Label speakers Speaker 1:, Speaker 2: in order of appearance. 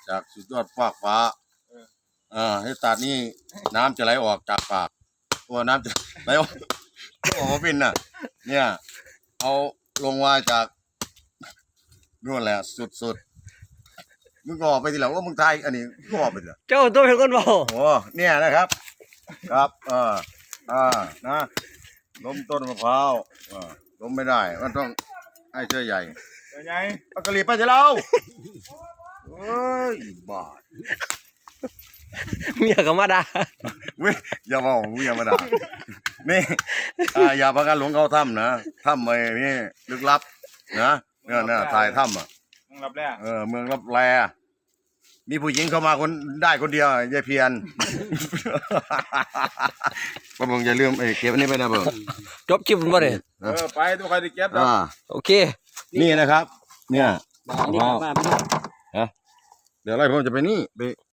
Speaker 1: จากสุดยอดฟากฟ้าให้ตัดนี่น้ำจะไหลออกจากปากตัวน้ำจะไหลออกมาเป็นน่ะ เนี่ยเอาลงมาจากนู่นแหละสุดมึงก็ออกไปทีหลังว่ามึงไทยอันนี้ก็ออกไปเถอะ
Speaker 2: เจ้าตัวเป็นคนเบา
Speaker 1: โอ้เนี่ยนะครับ ครับนะล้มต้นมะพร้าวล้มไม่ได้มันต้องให้เชือกใหญ่
Speaker 3: ใหญ่
Speaker 1: ปากกะหรี่ไปเถอะเราเฮ้ยบ้า
Speaker 2: เมียก็มาด่า
Speaker 1: เว้ยอย่าบอกเมียมาด่านี่อย่าพากันหลงเข้าถ้ำนะถ้ำไอ้นี่ลึกลับนะเนี่ยถ่ายถ้ำ
Speaker 3: เมืองรับแร
Speaker 1: เมืองรับแลมีผู้หญิงเข้ามาคนได้คนเดียวยายเพียนป้าบงอย่าลืมเก็บอันนี้ไปนะเบิ่ง
Speaker 2: จบคลิปมันบ่เนี่ย
Speaker 3: ไปตัวใครจะเก็บดอก
Speaker 2: โอเค
Speaker 1: นี่นะครับเนี่ยเดี๋ยวอะไรผมจะไปนี่ไป